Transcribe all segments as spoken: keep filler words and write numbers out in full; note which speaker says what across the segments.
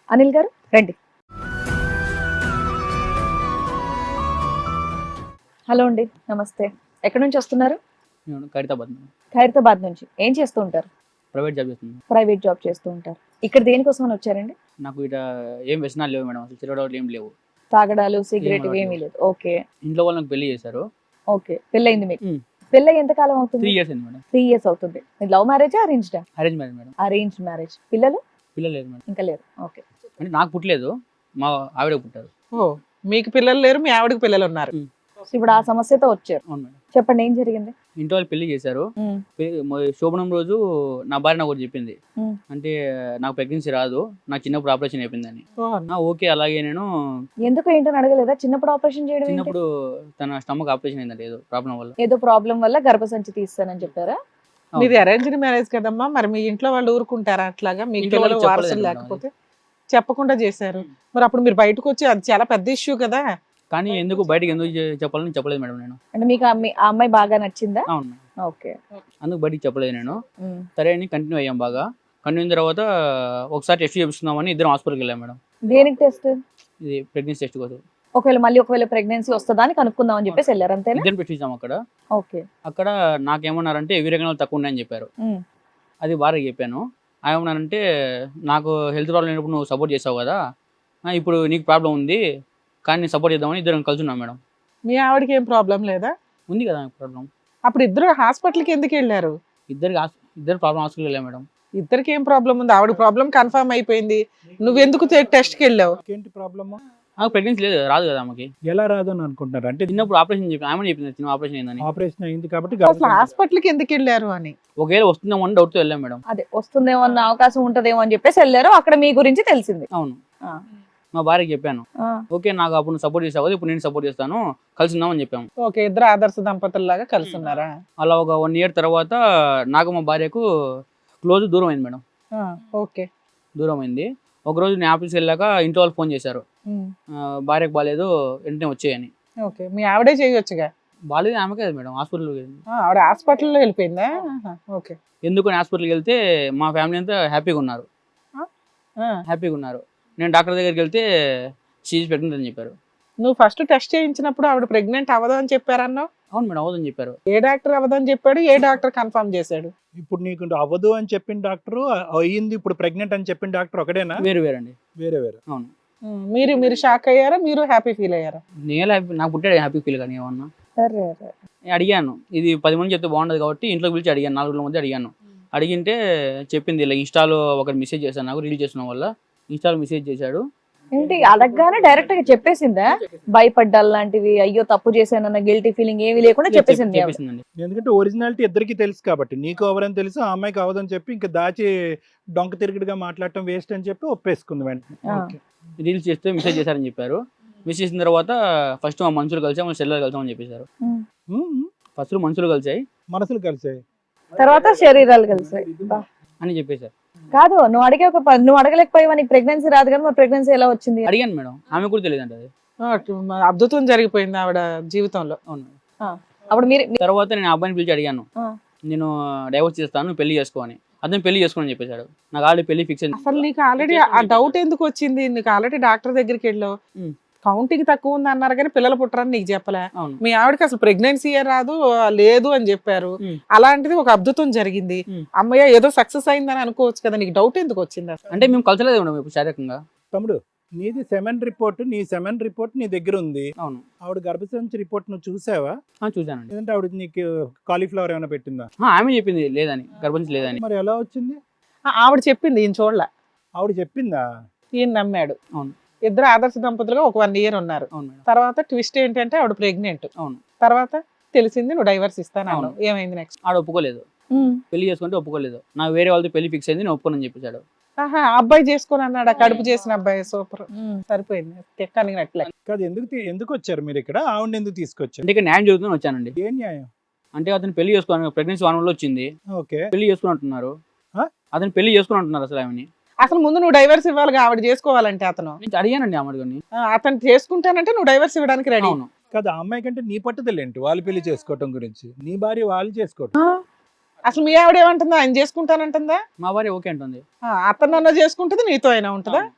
Speaker 1: అనిల్ గారు రండి. హలో అండి, నమస్తే. ఎక్కడి నుంచి వస్తున్నారు?
Speaker 2: నేను ఖైరతాబాద్ మేడం.
Speaker 1: ఖైరతాబాద్ నుంచి. ఏం చేస్తూ ఉంటారు?
Speaker 2: ప్రైవేట్ జాబ్ చేస్తున్నాను.
Speaker 1: ప్రైవేట్ జాబ్ చేస్తూ ఉంటారు. ఇక్కడ దేనికోసం అని వచ్చారండి?
Speaker 2: నాకు ఇట ఏం వ్యసనాలు లేవు మేడం, అసలు తిరగడాలు ఏం లేవు.
Speaker 1: తాగడాలు, సిగరెట్
Speaker 2: అలవాటు
Speaker 1: ఏమీ లేదు. ఓకే
Speaker 2: ఇంట్లో వాళ్ళు నాకు పెళ్లి చేశారు.
Speaker 1: ఓకే పెళ్ళయింది మీకు?
Speaker 2: మ్మ్.
Speaker 1: పెళ్ళి ఎంత కాలం
Speaker 2: త్రీ
Speaker 1: అవుతుంది?
Speaker 2: ఇయర్స్ అయింది మేడం.
Speaker 1: త్రీ ఇయర్స్ అవుతుంది. మీరు లవ్ మ్యారేజా అరేంజ్డా?
Speaker 2: Arrange marriage madam.
Speaker 1: Arrange marriage. పిల్లలు
Speaker 2: పిల్లలు లేదు మేడం.
Speaker 1: ఇంకా లేరు. ఓకే.
Speaker 2: అంటే నాకు పుట్టలేదు, మా ఆవిడ పుట్టారు.
Speaker 3: ఓ మీకు పిల్లలు లేరు, మీ ఆవిడకి పిల్లలు ఉన్నారు.
Speaker 1: సో ఇప్పుడు ఆ సమస్యతో వచ్చారు.
Speaker 2: అవును మేడం.
Speaker 1: చెప్పండి ఏం జరిగింది?
Speaker 2: ఇంట్లో వాళ్ళు పెళ్లి చేశారు.
Speaker 1: మ్మ్.
Speaker 2: పె- మొ- శోభనం రోజు నా భార్య నాకు ఒకటి చెప్పింది,
Speaker 1: మ్మ్.
Speaker 2: అంటే నాకు ప్రెగ్నెన్సీ రాదు, నాకు చిన్నప్పుడు ఆపరేషన్ అయిపోయిందని.
Speaker 3: ఓ,
Speaker 2: నా ఓకే అలాగే నేను
Speaker 1: ఎందుకు ఏంటని అడగలేదా? చిన్నప్పుడు ఆపరేషన్ చేయడం ఏంటి?
Speaker 2: చిన్నప్పుడు తన స్టమక్ ఆపరేషన్ అయిందండి ఏదో ప్రాబ్లం వల్ల.
Speaker 1: ఏదో ప్రాబ్లం వల్ల గర్భసంచి తీస్తానని చెప్పారా?
Speaker 2: అవును.
Speaker 3: మీది అరేంజ్డ్ మ్యారేజ్ కదమ్మా, మరి మీ ఇంట్లో వాళ్ళు ఊరుకుంటారా అట్లాగా? మీ
Speaker 2: ఇంట్లో
Speaker 3: ఇంట్లో
Speaker 2: వాళ్ళకి
Speaker 3: వారసులు
Speaker 2: చెప్పలేదు
Speaker 3: లేకపోతే చెప్పకుండా చేశారు. మరి అప్పుడు మీరు బయటకు వచ్చి అది చాలా పెద్ద ఇష్యూ కదా.
Speaker 2: కానీ ఎందుకు బయటకు ఎందుకు చె- చెప్పాలని చెప్పలేదు మేడం నేను.
Speaker 1: అంటే మీకు ఆ అమ్మాయి- ఆ అమ్మాయి బాగా నచ్చిందా?
Speaker 2: అవును మేడం.
Speaker 1: ఓకే.
Speaker 2: అందుకు బయటికి చెప్పలేదు నేను.
Speaker 1: మ్మ్.
Speaker 2: సరే అని కంటిన్యూ అయ్యాం బాగా. కంటిన్యూ అయిన తర్వాత ఒకసారి టెస్ట్ చేపిస్తున్నామని ఇద్దరం హాస్పిటల్కి వెళ్ళాం మేడం.
Speaker 1: దేనికి టెస్ట్?
Speaker 2: ఇది ప్రెగ్నెన్సీ టెస్ట్ కోసం.
Speaker 1: ఒకవేళ మళ్ళీ ఒకవేళ ప్రెగ్నెన్సీ వస్తుందా అని కనుక్కుందాం అని చెప్పేసి వెళ్ళారు అంతేనా?
Speaker 2: ఇద్దరం పెట్టించాం అక్కడ.
Speaker 1: ఓకే.
Speaker 2: అక్కడ నాకేమన్నారంటే వీరగణాలు తక్కువ ఉన్నాయని చెప్పారు.
Speaker 1: మ్మ్.
Speaker 2: అది భార్యకి చెప్పాను. ఏమన్నానంటే నాకు హెల్త్ ప్రాబ్లం అయినప్పుడు నువ్వు సపోర్ట్ చేసావు కదా, ఆ, ఇప్పుడు నీకు ప్రాబ్లం ఉంది కానీ నేను సపోర్ట్ చేద్దామని ఇద్దరం కలిసి ఉన్నాం మేడం.
Speaker 3: మీ ఆవిడకి ఏం ప్రాబ్లం లేదా?
Speaker 2: ఉంది కదా ప్రాబ్లం.
Speaker 3: అప్పుడు ఇద్దరు హాస్పిటల్కి ఎందుకు వెళ్ళారు?
Speaker 2: ఇద్దరికి హాస్- ఇద్దరు ప్రాబ్లం హాస్పిటల్కి వెళ్ళాం మేడం.
Speaker 3: ఇద్దరికి ఏం ప్రాబ్లం ఉంది? ఆవిడ ప్రాబ్లం కన్ఫర్మ్ అయిపోయింది, నువ్వెందుకు టెస్ట్కి వెళ్ళావు?
Speaker 4: ఏంటి ప్రాబ్లమ్?
Speaker 2: నాకు ప్రెగ్నెన్సీ లేదు, రాదు కదా ఆమెకి.
Speaker 4: ఎలా రాదు అని అనుకుంటున్నారు? అంటే
Speaker 2: చిన్నప్పుడు ఆపరేషన్ చెప్పి ఆమె చెప్పింది చిన్న ఆపరేషన్ అయిందని.
Speaker 4: ఆపరేషన్ అయింది కాబట్టి
Speaker 3: అసలు
Speaker 4: గర్భసంచి-
Speaker 3: హాస్పిటల్కి ఎందుకు వెళ్ళారు అని.
Speaker 2: ఒకవేళ వస్తుందేమో అని డౌట్తో వెళ్ళాం మేడం.
Speaker 1: అదే వస్తుందేమో అన్న అవకాశం ఉంటదేమో అని చెప్పేసి వెళ్ళారు. అక్కడ మీ గురించి తెలిసింది.
Speaker 2: అవును.
Speaker 1: ఆ.
Speaker 2: మా భార్యకి చెప్పాను,
Speaker 1: ఆ.
Speaker 2: ఓకే నాకు అప్పుడు నువ్వు సపోర్ట్ చేసావు కదా, ఇప్పుడు నేను సపోర్ట్ చేస్తాను, కలిసి ఉందామని చెప్పాము.
Speaker 3: ఓకే, ఇద్దరు ఆదర్శ దంపతుల్లాగా కలిసి ఉన్నారా?
Speaker 2: అలా ఒక వన్ ఇయర్ తర్వాత నాకు మా భార్యకు క్లోజ్ దూరం అయింది మేడం.
Speaker 3: ఆ, ఓకే.
Speaker 2: దూరం అయింది. ఒకరోజు నేను ఆఫీస్కి వెళ్ళాక ఇంట్లో వాళ్ళు ఫోన్ చేశారు,
Speaker 3: ఉమ్,
Speaker 2: ఆ, భార్యకు బాగాలేదు వెంటనే వచ్చేయని.
Speaker 3: ఓకే. మీ ఆవిడే చేయొచ్చుగా.
Speaker 2: బాగాలేదు ఆమెకే కదా మేడం, హాస్పిటల్కి వెళ్ళింది.
Speaker 3: ఆ, ఆవిడ హాస్పిటల్లో వెళ్ళిపోయిందా? ఆహా, ఓకే.
Speaker 2: ఎందుకని హాస్పిటల్కి వెళ్తే మా ఫ్యామిలీ అంతా హ్యాపీగా ఉన్నారు,
Speaker 3: ఆ,
Speaker 2: హ్యాపీగా ఉన్నారు. నేను డాక్టర్ దగ్గరికి వెళ్తే షీజ్ ప్రెగ్నెంట్ అని చెప్పారు.
Speaker 3: నువ్వు ఫస్ట్ టెస్ట్ చేయించినప్పుడు ఆవిడ ప్రెగ్నెంట్ అవ్వదు అని చెప్పారన్నావు.
Speaker 2: అవును మేడం, అవుదని చెప్పారు.
Speaker 3: ఏ డాక్టర్ అవ్వదు అని చెప్పాడు, ఏ డాక్టర్ కన్ఫర్మ్ చేశాడు?
Speaker 4: ఇప్పుడు నీకు అవ్వదు అని చెప్పిన డాక్టర్, అయ్యింది ఇప్పుడు ప్రెగ్నెంట్ అని చెప్పిన డాక్టర్ ఒకటేనా?
Speaker 2: వేరు వేరండి.
Speaker 4: వేరే వేరే.
Speaker 2: అవును.
Speaker 3: ఉమ్, మీరు మీరు షాక్ అయ్యారా, మీరు హ్యాపీ ఫీల్ అయ్యారా?
Speaker 2: నేను హ్యాపీ, నాకు పుట్టాడు హ్యాపీ ఫీల్ కానీ ఏమన్నా.
Speaker 1: సరే సరే.
Speaker 2: నేను అడిగాను, ఇది పది మంది చెప్తే బాగుండదు కాబట్టి ఇంట్లో పిలిచి అడిగాను, నాలుగు రోజుల మధ్య అడిగాను. అడిగింటే చెప్పింది ఇలా ఇన్స్టాలో ఒకటి మెసేజ్ చేశాను, నాకు రీల్ చేసిన వల్ల ఇన్స్టాలో మెసేజ్ చేశాడు.
Speaker 1: ఏంటి అడగగానే డైరెక్ట్ గా చెప్పేసిందా? భయపడ్డాలు లాంటివి, అయ్యో తప్పు చేశానన్న గిల్టీ ఫీలింగ్ ఏమీ లేకుండా చెప్పేసింది ఆవిడ.
Speaker 2: చెప్పేసిందండి.
Speaker 4: ఎందుకంటే ఒరిజినాలిటీ ఇద్దరికి తెలుసు కాబట్టి, నీకు ఎవరని తెలుసు, ఆ అమ్మాయికి అవ్వదని చెప్పి ఇంకా దాచి డొంక తిరుగుడుగా మాట్లాడటం వేస్ట్ అని చెప్పి ఒప్పేసుకుంది వెంటనే.
Speaker 1: ఆ.
Speaker 4: ఓకే.
Speaker 2: రీల్స్ చేస్తే మెసేజ్ చేశారని చెప్పారు. మెసేజ్ చేసిన తర్వాత ఫస్ట్ మా మనుషులు కలిసాం, మా సెల్లర్ కలిసామని చెప్పేశారు.
Speaker 1: ఉమ్.
Speaker 4: ఉమ్,
Speaker 2: ఫస్ట్ మనుషులు కలిసాయి
Speaker 4: మనసులు కలిసాయి.
Speaker 1: తర్వాత శరీరాలు కలిసాయి. బా.
Speaker 2: అని చెప్పేశారు.
Speaker 1: కాదు నువ్వు అడిగే ఒక ప- నువ్వు అడగలేకపోయావా? నీకు ప్రెగ్నెన్సీ రాదు కదా, మరి ప్రెగ్నెన్సీ ఎలా వచ్చింది?
Speaker 2: అడిగాను మేడం, ఆమె కూడా తెలియదు అంట అది.
Speaker 3: ఆ, మ- అద్భుతం జరిగిపోయింది ఆవిడ జీవితంలో.
Speaker 2: అవును.
Speaker 1: అప్పుడు మీరు మీ-
Speaker 2: తర్వాత నేను ఆ అబ్బాయిని పిలిచి అడిగాను,
Speaker 1: ఆ.
Speaker 2: నేను డైవర్స్ చేస్తాను, నువ్వు పెళ్లి చేసుకో అని. అతను పెళ్లి చేసుకోని చెప్పేశాడు. నాకు ఆల్రెడీ పెళ్లి ఫిక్స్ అయింది.
Speaker 3: అసలు నీకు ఆల్రెడీ ఆ డౌట్ ఎందుకు వచ్చింది? నీకు ఆల్రెడీ డాక్టర్ దగ్గరికి వెళ్ళావు,
Speaker 2: ఉమ్.
Speaker 3: కౌంటింగ్ తక్కువ ఉంది అన్నారు కానీ పిల్లలు పుట్టరని నీకు చెప్పలే.
Speaker 2: అవును.
Speaker 3: మీ ఆవిడకి అసలు ప్రెగ్నెన్సీ రాదు, ఆ, లేదు అని చెప్పారు.
Speaker 2: ఉమ్.
Speaker 3: అలాంటిది ఒక అద్భుతం జరిగింది.
Speaker 2: ఉమ్.
Speaker 3: అమ్మయ్య ఏదో సక్సెస్ అయిందని అనుకోవచ్చు కదా, నీకు డౌట్ ఎందుకు వచ్చింది అసలు?
Speaker 2: అంటే మేము కలిసలేదు మేడం ఇప్పుడు శారీరకంగా.
Speaker 4: తమ్ముడు, నీది సెమెన్ రిపోర్ట్, నీ సెమెన్ రిపోర్ట్ నీ దగ్గర ఉంది.
Speaker 2: అవును.
Speaker 4: ఆవిడ గర్భసంచి రిపోర్ట్ నువ్వు చూసావా?
Speaker 2: ఆ, చూశానండి.
Speaker 4: లేదంటే ఆవిడ నీకు కాలీఫ్లవర్ ఏమైనా పెట్టిందా?
Speaker 2: ఆ, ఆమె చెప్పింది లేదని, గర్భించి లేదని.
Speaker 4: మరి ఎలా వచ్చింది?
Speaker 3: ఆ, ఆవిడ చెప్పింది, ఈయన చూడలే,
Speaker 4: ఆవిడ చెప్పిందా?
Speaker 3: ఈయన నమ్మాడు.
Speaker 2: అవును.
Speaker 3: ఇద్దరు ఆదర్శ దంపతులుగా ఒక వన్ ఇయర్ ఉన్నారు.
Speaker 2: అవును మేడం.
Speaker 3: తర్వాత ట్విస్ట్ ఏంటంటే ఆవిడ ప్రెగ్నెంట్.
Speaker 2: అవును.
Speaker 3: తర్వాత తెలిసింది నువ్వు డైవర్స్ ఇస్తాను
Speaker 2: అవును.
Speaker 3: అన్నావు. ఏమైంది నెక్స్ట్?
Speaker 2: ఆడ ఒప్పుకోలేదు,
Speaker 1: ఉమ్.
Speaker 2: పెళ్లి చేసుకుంటే ఒప్పుకోలేదు. నాకు వేరే వాళ్ళతో పెళ్లి ఫిక్స్ అయింది, నేను ఒప్పుకోనని చెప్పేశాడు.
Speaker 3: ఆహా, ఆ అబ్బాయి చేసుకొని అన్నాడు, ఆ కడుపు చేసిన అబ్బాయి. సూపర్,
Speaker 1: ఉమ్.
Speaker 3: సరిపోయింది, తెక్కనినట్లే.
Speaker 4: కాదు, ఎందుకు తీ- ఎందుకు వచ్చారు మీరు ఇక్కడ? ఆవిడ ఎందుకు తీసుకొచ్చారు?
Speaker 2: అంటే ఇక్కడ న్యాయం జరుగుతుందని వచ్చానండి.
Speaker 4: ఏం న్యాయం?
Speaker 2: అంటే అతను పెళ్లి చేసుకోవాలి, ప్రెగ్నెన్సీ వన్ వల్ల వచ్చింది,
Speaker 4: ఓకే.
Speaker 2: పెళ్లి చేసుకుని అంటున్నారు.
Speaker 4: ఆ?
Speaker 2: అతను పెళ్లి చేసుకుని అంటున్నారు అసలు ఆమెని.
Speaker 3: అసలు ముందు నువ్వు డైవర్స్ ఇవ్వాలిగా, ఆవిడ చేసుకోవాలంటే. అతను
Speaker 2: నేను అడిగానండి ఆమెని.
Speaker 3: ఆ, అతను చేసుకుంటానంటే నువ్వు డైవర్స్ ఇవ్వడానికి రెడీ.
Speaker 2: అవును.
Speaker 4: కాదు, ఆ అమ్మాయి కంటే నీ పట్టుదల ఏంటి వాళ్ళు పెళ్లి చేసుకోవటం గురించి? నీ భార్య వాళ్ళు చేసుకోవటం.
Speaker 3: ఆ, అసలు మీ ఆవిడ ఏమంటుందా? ఆయన చేసుకుంటానంటుందా?
Speaker 2: మా భార్య ఓకే అంటుంది.
Speaker 3: ఆ, అతను అన్న చేసుకుంటుంది, నీతో అయినా ఉంటుందా?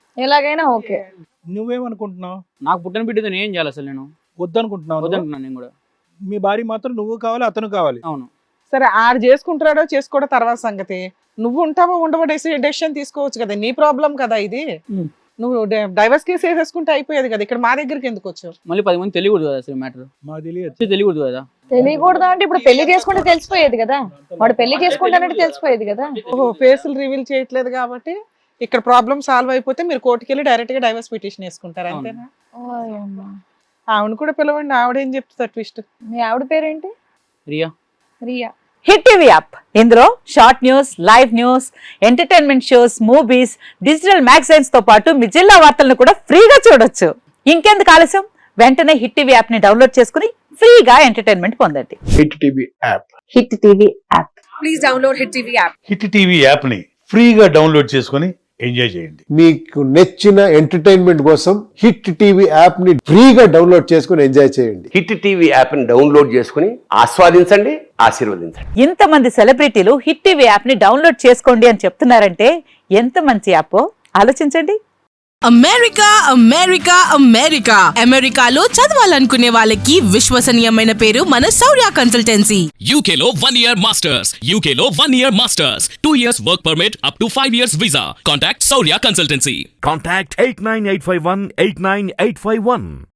Speaker 1: ఎలాగైనా ఓకే.
Speaker 4: నువ్వేమనుకుంటున్నావు?
Speaker 2: నాకు పుట్టిన బిడ్డతో నేను ఏం చేయాలి అసలు? నేను
Speaker 4: వద్దనుకుంటున్నావు నువ్వు?
Speaker 2: వద్దంటున్నాను నేను కూడా.
Speaker 4: మీ భార్య మాత్రం నువ్వు కావాలి, అతను కావాలి.
Speaker 2: అవును.
Speaker 3: సరే ఆడు చేసుకుంటాడో చేసుకోవడం తర్వాత సంగతి. నువ్వు ఉంటావో ఉండవో డెసిషన్ తీసుకోవచ్చు కదా, నీ ప్రాబ్లం కదా ఇది.
Speaker 2: ఉమ్.
Speaker 3: నువ్వు డైవర్స్ కేసు వేసేసుకుంటే అయిపోయేది కదా, ఇక్కడ మా దగ్గరికి ఎందుకు వచ్చావు?
Speaker 2: మళ్ళీ పది మంది తెలియకూడదు కదా అసలు మ్యాటర్.
Speaker 4: మాకు తెలియదు.
Speaker 2: తెలియకూడదు కదా.
Speaker 1: తెలియకూడదా అంటే ఇప్పుడు పెళ్లి చేసుకుంటే తెలిసిపోయేది కదా, వాడు పెళ్లి చేసుకుంటానంటే తెలిసిపోయేది కదా.
Speaker 3: ఓహో, ఫేసులు రివీల్ చేయట్లేదు కాబట్టి ఇక్కడ ప్రాబ్లం సాల్వ్ అయిపోతే మీరు కోర్టుకి వెళ్ళి డైరెక్ట్ గా డైవర్స్ పిటిషన్ వేసుకుంటారు అంతేనా? ఆవిడ కూడా పిలవండి, ఆవిడేం చెప్తుంది ట్విస్ట్.
Speaker 1: మీ ఆవిడ పేరేంటి?
Speaker 2: Riya.
Speaker 1: Riya.
Speaker 5: Hit TV app ఇందులో short news, live news, entertainment shows, movies, digital magazines తో పాటు మీ జిల్లా వార్తలను కూడా ఫ్రీగా చూడొచ్చు. ఇంకెందుకు ఆలస్యం, వెంటనే హిట్ టీవీ యాప్ ని డౌన్లోడ్ చేసుకుని ఫ్రీగా ఎంటర్టైన్మెంట్ పొందండి.
Speaker 6: Hit TV app.
Speaker 5: Hit TV app.
Speaker 7: Please download Hit T V app.
Speaker 8: Hit TV యాప్ని ఫ్రీగా డౌన్లోడ్ చేసుకొని ఎంజాయ్ చేయండి.
Speaker 6: మీకు నచ్చిన ఎంటర్టైన్మెంట్ కోసం హిట్ టీవీ యాప్ ని ఫ్రీగా డౌన్లోడ్ చేసుకుని ఎంజాయ్ చేయండి.
Speaker 9: హిట్ టీవీ యాప్ని డౌన్లోడ్ చేసుకుని ఆస్వాదించండి, ఆశీర్వదించండి.
Speaker 5: ఇంతమంది సెలబ్రిటీలు హిట్ టీవీ యాప్ ని డౌన్లోడ్ చేసుకోండి అని చెప్తున్నారంటే ఎంత మంచి యాప్ ఆలోచించండి.
Speaker 7: అమెరికా అమెరికా అమెరికా అమెరికాలో చదవాలనుకునే వాళ్ళకి విశ్వసనీయమైన పేరు మన శౌర్య కన్సల్టెన్సీ.
Speaker 10: U K లో one year masters. U K లో one year masters. two years work permit up to five years visa. Contact Saurya Consultancy.
Speaker 11: Contact eight nine eight five one eight nine eight five one.